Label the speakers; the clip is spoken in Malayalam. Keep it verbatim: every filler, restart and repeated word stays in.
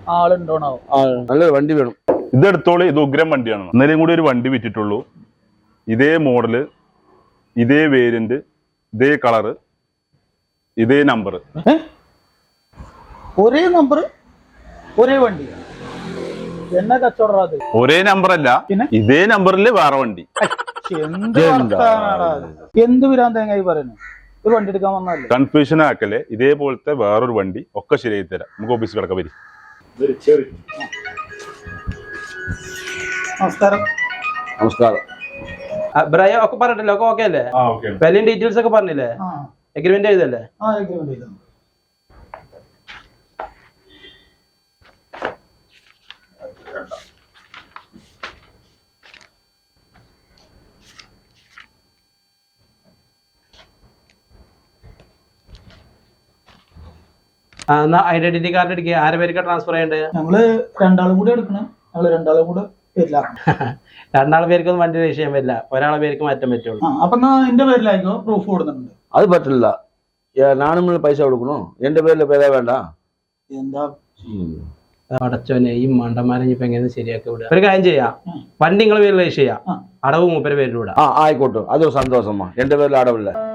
Speaker 1: ആളുണ്ടോണോ?
Speaker 2: നല്ലൊരു വണ്ടി വേണം.
Speaker 3: ഇതെടുത്തോളൂ, ഇത് ഉഗ്രം വണ്ടിയാണ്. ഇന്നലെയും കൂടി ഒരു വണ്ടി വിറ്റിട്ടുള്ളൂ. ഇതേ മോഡല്, ഇതേ വേരിയന്റ്, ഇതേ കളറ്, ഇതേ നമ്പർ.
Speaker 1: ഒരേ നമ്പർ, ഒരേ വണ്ടി. എന്നാ കച്ചവടം അത്?
Speaker 3: ഒരേ നമ്പർ അല്ല, ഇതേ നമ്പറിൽ വേറെ വണ്ടി.
Speaker 1: എന്ത് വിരാൻ തേങ്ങായി പറയുന്നു? ഒരു വണ്ടി എടുക്കാൻ വന്നല്ലേ?
Speaker 3: കൺഫ്യൂഷൻ ആക്കല്ലേ. ഇതേപോലത്തെ വേറൊരു വണ്ടി ഒക്കെ ശരിയായി തരാം. നമുക്ക് ഓഫീസിൽ കിടക്കാൻ വരും.
Speaker 1: നമസ്കാരം.
Speaker 2: നമസ്കാരം.
Speaker 4: ബ്രയോ ഒക്കെ പറഞ്ഞിട്ടില്ല, ഒക്കെ ഓക്കെ അല്ലേ? വിലയും ഡീറ്റെയിൽസ് ഒക്കെ പറഞ്ഞില്ലേ? എഗ്രിമെന്റ് ചെയ്തല്ലേ? എന്നാ ഐഡന്റിറ്റി കാർഡ് എടുക്കുക. ആരെ പേർക്ക് ട്രാൻസ്ഫർ ചെയ്യണ്ടേ?
Speaker 1: ഞങ്ങള് രണ്ടാളും കൂടെ എടുക്കണം. ഞങ്ങള് രണ്ടാളും കൂടെ വരില്ല.
Speaker 4: രണ്ടാളെ പേർക്കൊന്നും വണ്ടി രജിസ്റ്റർ ചെയ്യാൻ പറ്റില്ല, ഒരാളെ പേർക്ക് മാറ്റാൻ പറ്റുള്ളൂ.
Speaker 1: അപ്പൊ എന്റെ പേരിലായിരിക്കും പ്രൂഫ് കൊടുക്കുന്നുണ്ട്.
Speaker 2: അത് പറ്റില്ല. നാനും പൈസ കൊടുക്കണോ? എന്റെ പേരില് പേരാ വേണ്ട.
Speaker 1: എന്താ
Speaker 4: അടച്ചോനെ, ഈ മണ്ടന്മാരെ ഇപ്പൊ എങ്ങനെ ശരിയാക്കി വിടുക? ഒരു കാര്യം ചെയ്യാം, വണ്ടി നിങ്ങളെ പേരിൽ രജിസ്റ്റർ ചെയ്യാം, അടവ് മൂപ്പരെ പേരിൽ വിടാം.
Speaker 2: ആ ആയിക്കോട്ടെ, അതൊരു സന്തോഷമാ. എന്റെ പേരിൽ അടവില്ല.